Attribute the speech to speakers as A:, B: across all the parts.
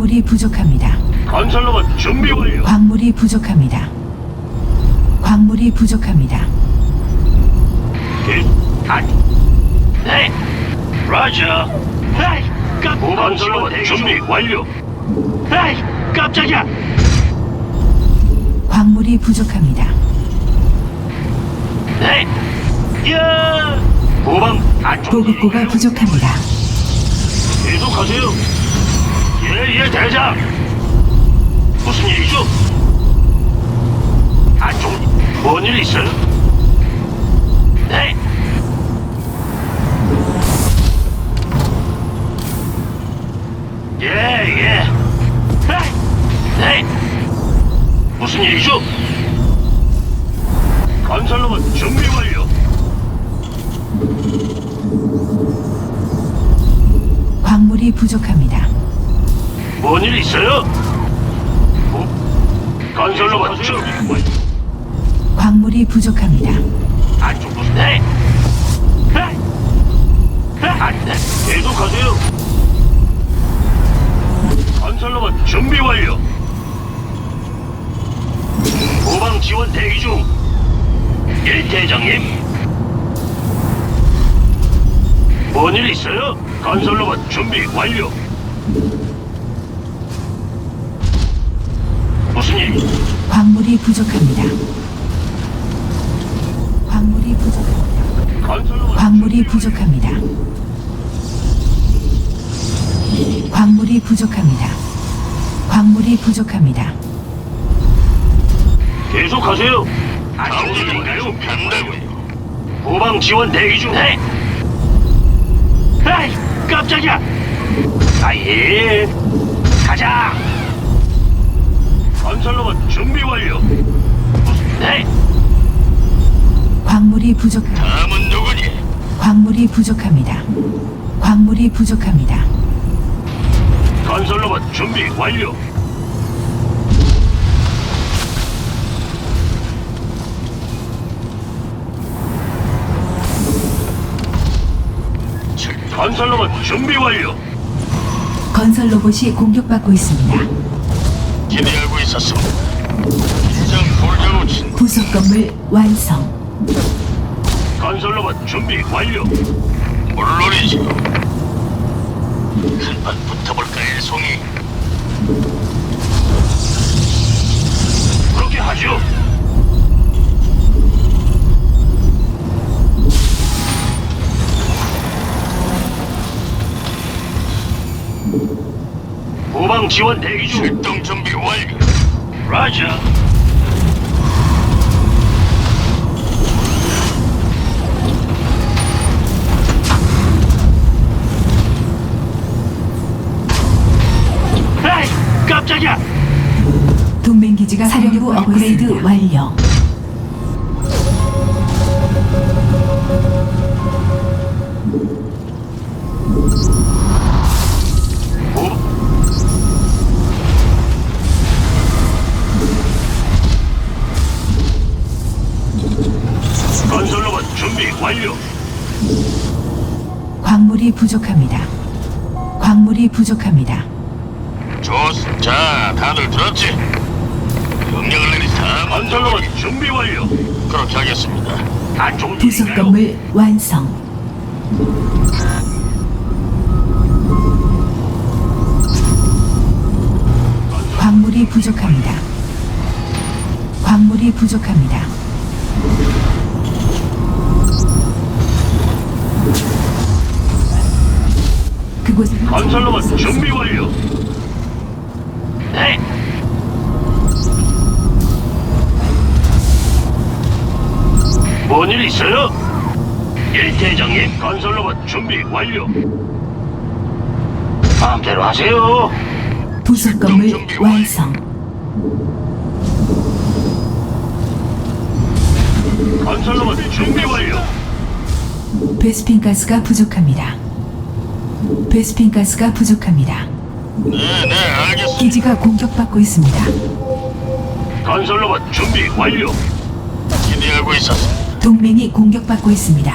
A: 광물이 부족합니다.
B: 건설로봇 준비 완료.
A: 광물이 부족합니다. 광물이 부족합니다.
B: 네. 라자. 에이, 건설로봇 준비 완료. 에이, 깜짝이야.
A: 광물이 부족합니다.
B: 네. 야. 후방 안쪽.
A: 보급고가 부족합니다.
B: 계속하세요. 예, 대장. 무슨 일이죠? 안쪽 뭔일 있어요? 네. 예. 네. 무슨 일이죠? 건설로봇 준비 완료.
A: 광물이 부족합니다.
B: 뭔 일 있어요? 건설로봇 준비 완료.
A: 광물이 부족합니다.
B: 안쪽 무슨 네? 안돼. 계속하세요. 건설로봇 준비 완료. 후방 지원 대기 중. 예, 대장님. 뭔 일 있어요? 건설로봇 준비 완료. 무슨 일?
A: 광물이 부족합니다. 광물이 부족합니다.
B: 건설로봇
A: 광물이 부족합니다. 광물이 부족합니다. 광물이 부족합니다.
B: 계속하세요. 정신인가요? 간다고요. 후방 지원 대기 중. 네. 에이, 깜짝이야. 아예. 가자. 건설로봇 준비 완료. 무슨 네?
A: 광물이 부족합니다.
B: 다음은 누구니?
A: 광물이 부족합니다. 광물이 부족합니다.
B: 건설로봇 준비 완료. 건설로봇 준비 완료.
A: 건설 로봇이 공격받고 있습니다.
B: 기대하고 있었습니다. 이장 돌려놓친
A: 부속 건물 완성.
B: 건설로봇 준비 완료. 물론이죠. 한판 붙어볼까요, 송이? 그렇게 하죠. 후방 지원 대기 중. 출동 준비 완료. 라자. 에이, 깜짝이야.
A: 동맹 기지가 사령부 업그레이드 완료.
B: 건설로봇 준비 완료.
A: 광물이 부족합니다. 광물이 부족합니다.
B: 좋습니다. 자, 다들 들었지? 명령을 내리자. 건설로봇 준비 완료. 그렇게 하겠습니다. 안쪽
A: 부속 건물 완성. 광물이 부족합니다. 광물이 부족합니다. 그곳
B: 건설로봇 준비 완료. 네. 뭔 일 있어요? 예, 대장님. 건설로봇 준비 완료. 마음대로 하세요.
A: 부속 건물 완성.
B: 건설로봇 준비 완료.
A: 베스핀 가스가 부족합니다. 베스핀 가스가 부족합니다.
B: 네, 알겠습니다.
A: 기지가 공격받고 있습니다.
B: 건설로봇 준비 완료. 기대하고 있었습니다.
A: 동맹이 공격받고 있습니다.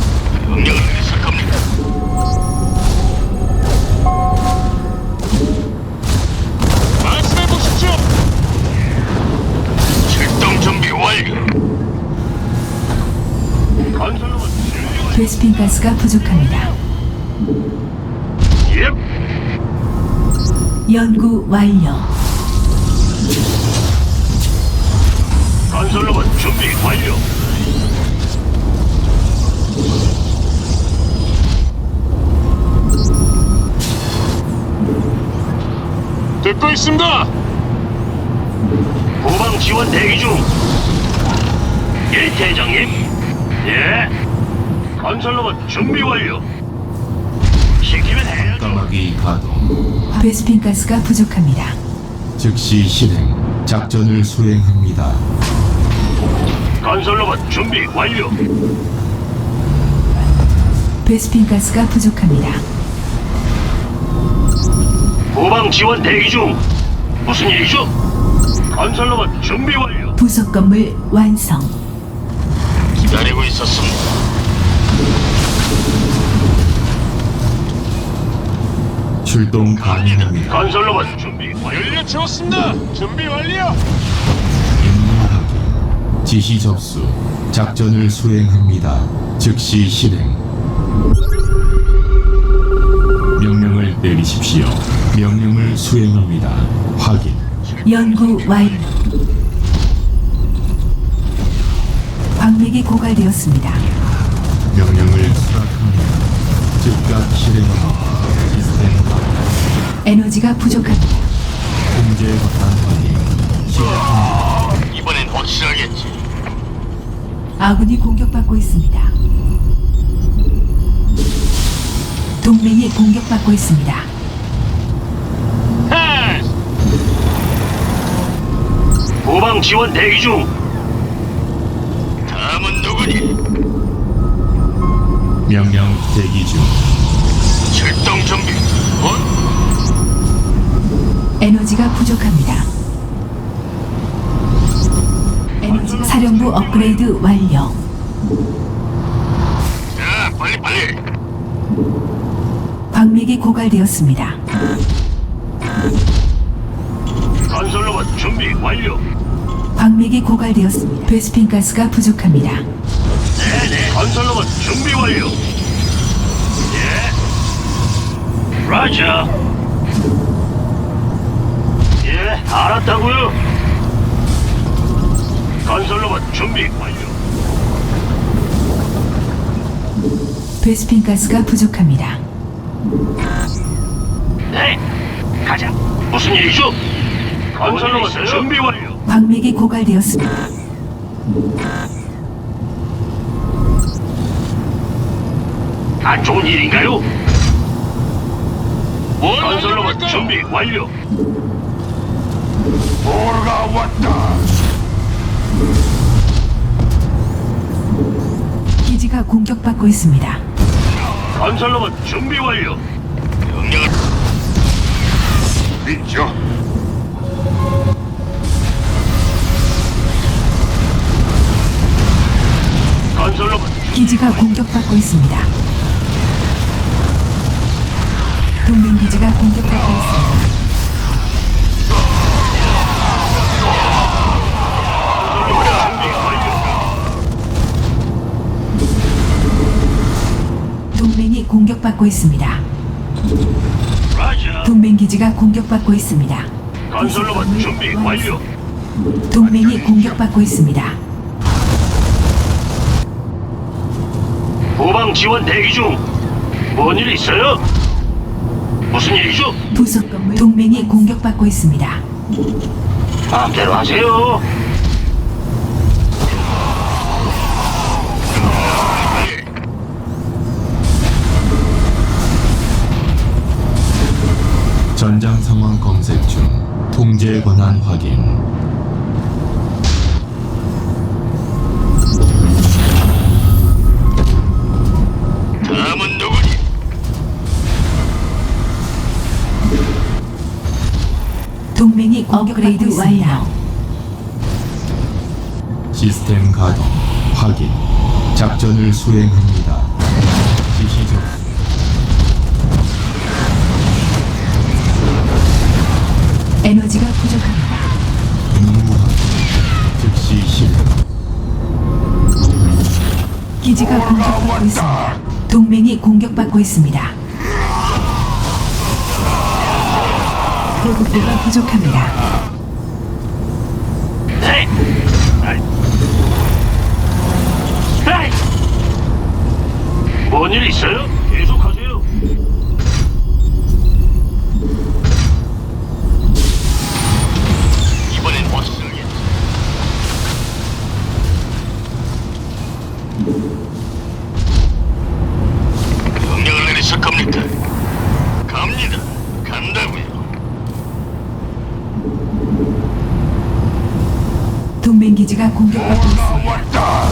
B: 명령을 내리실 겁니다.
A: 가스가 부족합니다.
B: 예.
A: 연구 완료.
B: 건설로봇 준비 완료.
C: 듣고 있습니다.
B: 후방 지원 대기 중. 예, 대장님. 예. 건설로봇 준비 완료. 시키면 해야죠.
D: 까마귀 가동.
A: 베스핀 가스가 부족합니다.
D: 즉시 실행. 작전을 수행합니다.
B: 건설로봇 준비 완료.
A: 베스핀 가스가 부족합니다.
B: 후방 지원 대기 중. 무슨 일이죠? 건설로봇 준비 완료.
A: 부속 건물 완성.
C: 기다리고 있었습니다.
D: 출동 가능합니다.
B: 건설로봇 준비 완료.
C: 연료 채웠습니다. 준비 완료.
D: 임무 확인. 지시 접수. 작전을 수행합니다. 즉시 실행. 명령을 내리십시오. 명령을 수행합니다. 확인.
A: 연구 완료. 광맥이 고갈되었습니다.
D: 명령을 수락합니다. 즉각 실행합니다. 시스템 가동.
A: 에너지가 부족합니다.
D: 통제 권한 확인. 시작합니다.
C: 이번엔 확실하겠지.
A: 아군이 공격받고 있습니다. 동맹이 공격받고 있습니다.
C: 하!
B: 후방 지원 대기 중.
C: 다음은 누구니?
D: 명령 대기 중.
C: 출동 준비.
A: 에너지가 부족합니다. 에너지 사령부 업그레이드 완료.
C: 자, 빨리.
A: 광맥이 고갈되었습니다.
B: 건설로봇 준비 완료.
A: 광맥이 고갈되었습니다. 베스핀 가스가 부족합니다.
B: 네네. 건설로봇 준비 완료. 예. 라자. 예, 알았다고요. 건설로봇 준비 완료.
A: 베스핀 가스가 부족합니다.
B: 네, 가자. 무슨 일이죠? 건설로봇 준비 완료.
A: 광맥이 고갈되었습니다.
B: 안 좋은 일인가요? 건설로봇 준비 완료.
C: 보르가 왔다.
A: 기지가 공격받고 있습니다.
B: 건설로봇 준비 완료.
C: 명령을 믿죠.
B: 건설로봇
A: 기지가 공격받고 있습니다. 동맹 기지가 공격받고 있습니다.
B: 준비 완료.
A: 동맹이 공격받고 있습니다.
B: 라자.
A: 동맹 기지가 공격받고 있습니다.
B: 건설로봇 준비 완료.
A: 동맹이 공격받고 있습니다.
B: 후방 지원 대기 중. 뭔 일 있어요? 무슨 일이죠?
A: 부속 건물 동맹이 공격받고 있습니다.
B: 마음대로 하세요.
D: 전장 상황 검색 중. 통제 권한 확인.
C: 다음은 누구니?
A: 동맹이 업그레이드 완료.
D: 시스템 가동. 확인. 작전을 수행합니다. 지시 접수.
A: 에너지가 부족합니다.
D: 임무 확인. 즉시 실행.
A: 기지가 공격받고 있습니다. 동맹이 공격받고 있습니다. 보급고가 부족합니다.
B: 네. 에이. 뭔일 있어요? 계속하세요.
C: 이번엔 확실하게. 명령을 내리실 겁니까? 갑니다. 간다고요.
A: 동맹 기지가 공격받고 있습니다.
C: 왔다.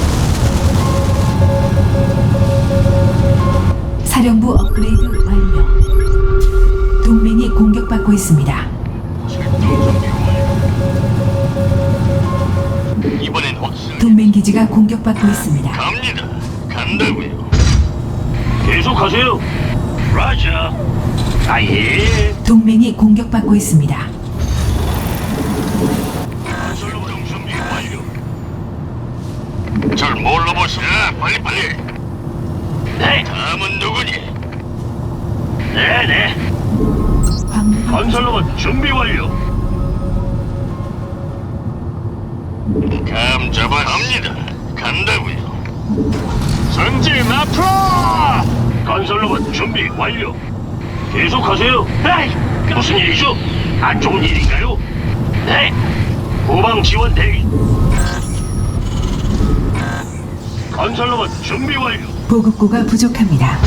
A: 사령부 업그레이드 완료. 동맹이 공격받고 있습니다.
C: 출동 준비 완료. 이번엔 확실하게.
A: 동맹 기지가 공격받고 있습니다.
C: 갑니다. 간다고요.
B: 계속하세요. 라자. 아예.
A: 동맹이 공격받고 있습니다.
C: 출동 준비 완료. 절 뭘로 보시나? 빨리.
B: 네.
C: 다음은 누구니?
B: 네네.
A: 광물이
B: 건설로봇 준비 완료.
C: 감 잡아 갑니다. 간다고요.
B: 전진 앞으로. 건설로봇 준비 완료. 계속하세요. 에이, 무슨 일이죠? 안 좋은 일인가요? 네. 후방 지원 대기. 건설로봇 준비 완료.
A: 보급고가 부족합니다.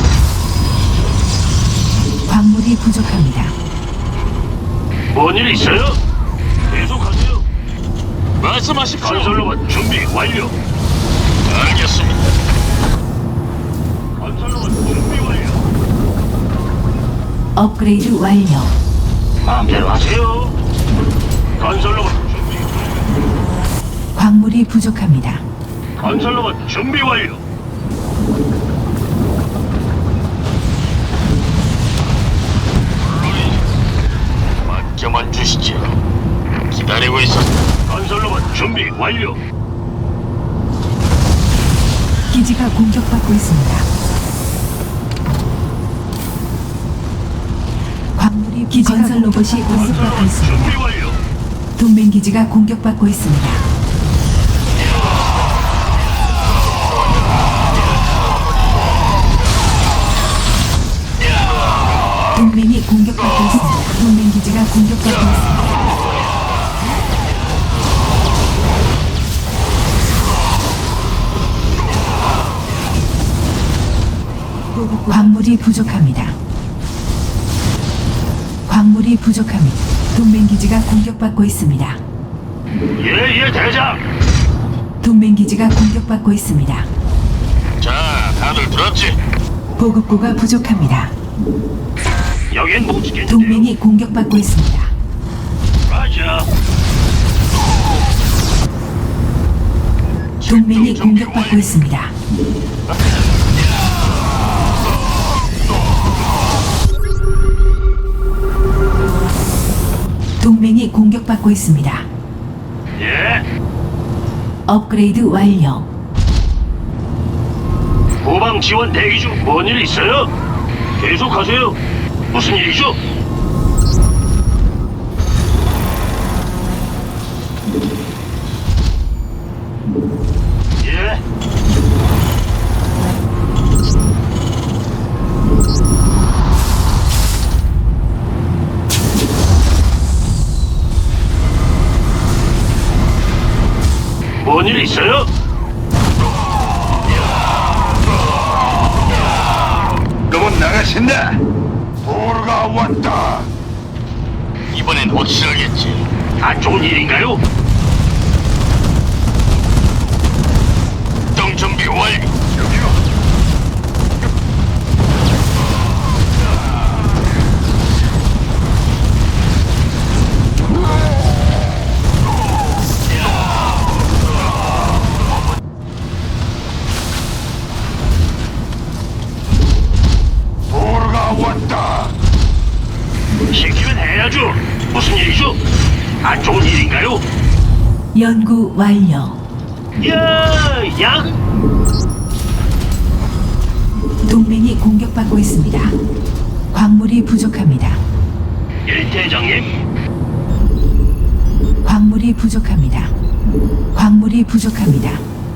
A: 광물이 부족합니다.
B: 뭔 일 있어요? 계속하세요.
C: 말씀하십시오.
B: 건설로봇 준비 완료.
C: 알겠습니다.
B: 건설로봇 준비 완료.
A: 업그레이드 완료.
B: 마음대로 하세요. 건설로봇 준비 완료.
A: 광물이 부족합니다.
B: 건설로봇 준비 완료.
C: 맡겨만 주시죠. 기다리고 있었다.
B: 건설로봇 준비 완료.
A: 기지가 공격받고 있습니다. 광물이 건설 로봇이 공격받고
B: 건설로봇
A: 있습니다.
B: 준비 완료.
A: 동맹 기지가 공격받고 있습니다. 동맹이 공격받고 있습니다. 동맹 기지가 공격받고 있습니다. 광물이 부족합니다. 광물이 부족합니다. 동맹 기지가 공격받고 있습니다.
B: 예, 대장.
A: 동맹 기지가 공격받고 있습니다.
C: 자, 다들 들었지?
A: 보급고가 부족합니다.
B: 여긴 못 지켰는데요.
A: 동맹이 공격받고 있습니다.
B: 라자.
A: 동맹이 공격받고 있습니다. 동맹이 공격받고 있습니다.
B: 예.
A: 업그레이드 완료.
B: 후방 지원 대기 중. 뭔 일 있어요? 계속하세요. 무슨 일이죠? 예. 뭔 일 있어요?
C: 로봇 나가신다. 보르가 왔다. 이번엔 확실하겠지.
B: 안 좋은 일인가요?
C: 동 준비 완료. 여기요. 보르가 왔다.
B: 시키면 해야죠. 무슨 일이죠? 안 좋은 일인가요?
A: 연구 완료.
B: 야, 양.
A: 동맹이 공격받고 있습니다. 광물이 부족합니다.
B: 예, 대장님.
A: 광물이 부족합니다. 광물이 부족합니다.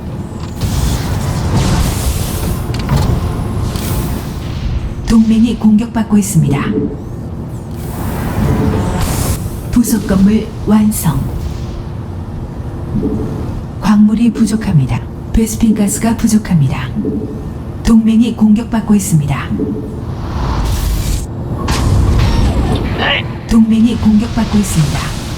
A: 동맹이 공격받고 있습니다. 부속 건물 완성. 광물이 부족합니다. 베스핀 가스가 부족합니다. 동맹이 공격받고 있습니다.
B: 네.
A: 동맹이 공격받고 있습니다.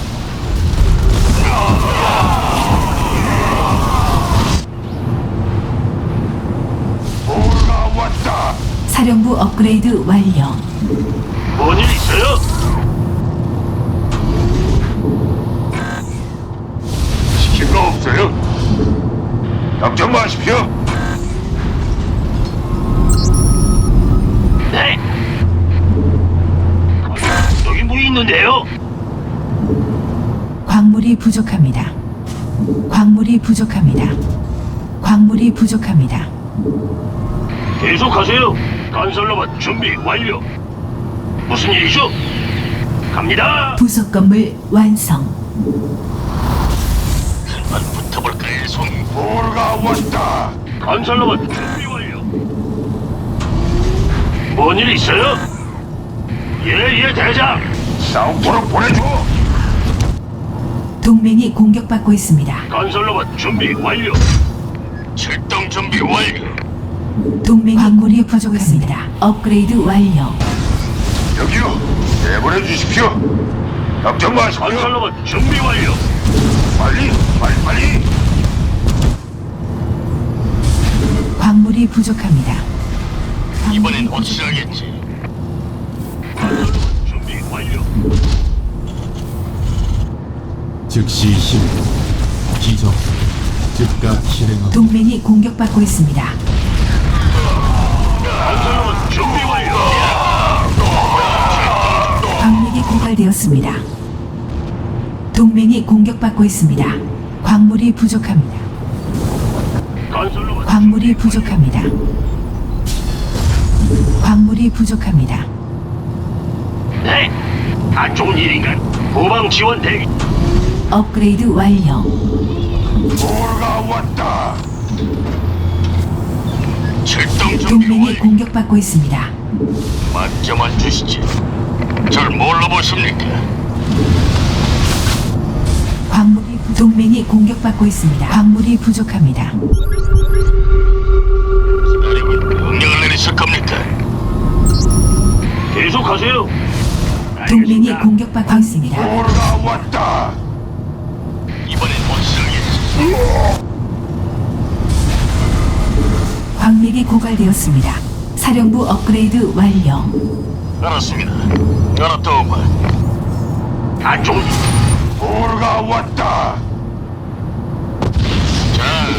C: 보루가 왔다.
A: 사령부 업그레이드 완료.
B: 뭔 일 있어요?
C: 시킨 거 없어요? 걱정 마십시오.
B: 네. 여기 뭐 있는데요?
A: 광물이 부족합니다. 광물이 부족합니다. 광물이 부족합니다.
B: 계속하세요. 건설로봇 준비 완료. 무슨 일이죠? 갑니다.
A: 부속 건물 완성.
C: 한번 붙어볼까요, 송? 보루가 왔다.
B: 건설로봇 준비 완료. 뭔 일 있어요? 예, 대장.
C: 싸움으로 보내줘.
A: 동맹이 공격받고 있습니다.
B: 건설로봇 준비 완료.
C: 출동 준비 완료.
A: 동맹 광물이 부족합니다. 업그레이드 완료.
C: 여기요. 내보내 주십시오. 걱정 마십시오.
B: 건설로봇 준비 완료.
C: 빨리.
A: 광물이 부족합니다.
C: 이번엔 확실하겠지.
B: 건설로봇 준비 완료.
D: 즉시 실행 기적 즉각 실행하고
A: 동맹이 공격받고 있습니다.
B: 건설로봇 준비 완료.
A: 광맥이 고갈되었습니다. 동맹이 공격받고 있습니다. 광물이 부족합니다.
B: 건설로봇
A: 광물이 부족합니다. 광물이 부족합니다.
B: 네. 안 좋은 일인가? 후방 지원 대기.
A: 업그레이드 완료.
C: 보루가 왔다. 출동 준비
A: 동맹이
C: 완료.
A: 공격받고 있습니다.
C: 맞점만 주시지. 절 뭘로 보십니까?
A: 동맹이 공격받고 있습니다. 광물이 부족합니다.
C: 기다리고 명령을 내리실 겁니까?
B: 계속하세요.
A: 동맹이
B: 알겠습니다.
A: 공격받고 있습니다.
C: 보루가 왔다. 이번엔 확실하겠지.
A: 광맥이 고갈되었습니다. 사령부 업그레이드 완료.
C: 알았습니다. 알았다오마.
B: 안 좋은 일.
C: 보루가 왔다. 자,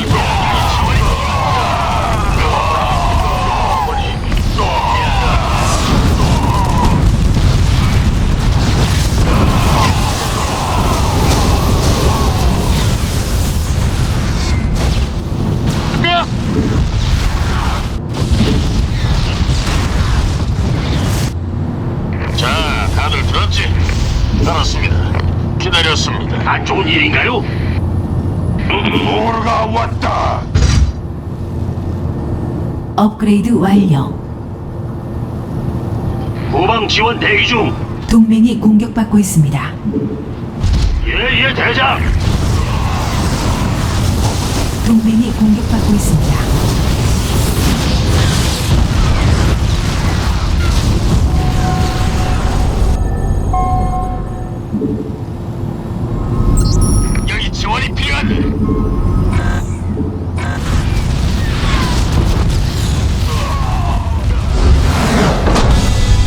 C: 자, 다들 들었지? 알았습니다. 기다렸습니다.
B: 안 좋은 일인가요?
C: 보루가 왔다.
A: 업그레이드 완료.
B: 후방 지원 대기 중.
A: 동맹이 공격받고 있습니다.
B: 예, 대장.
A: 동맹이 공격받고 있습니다.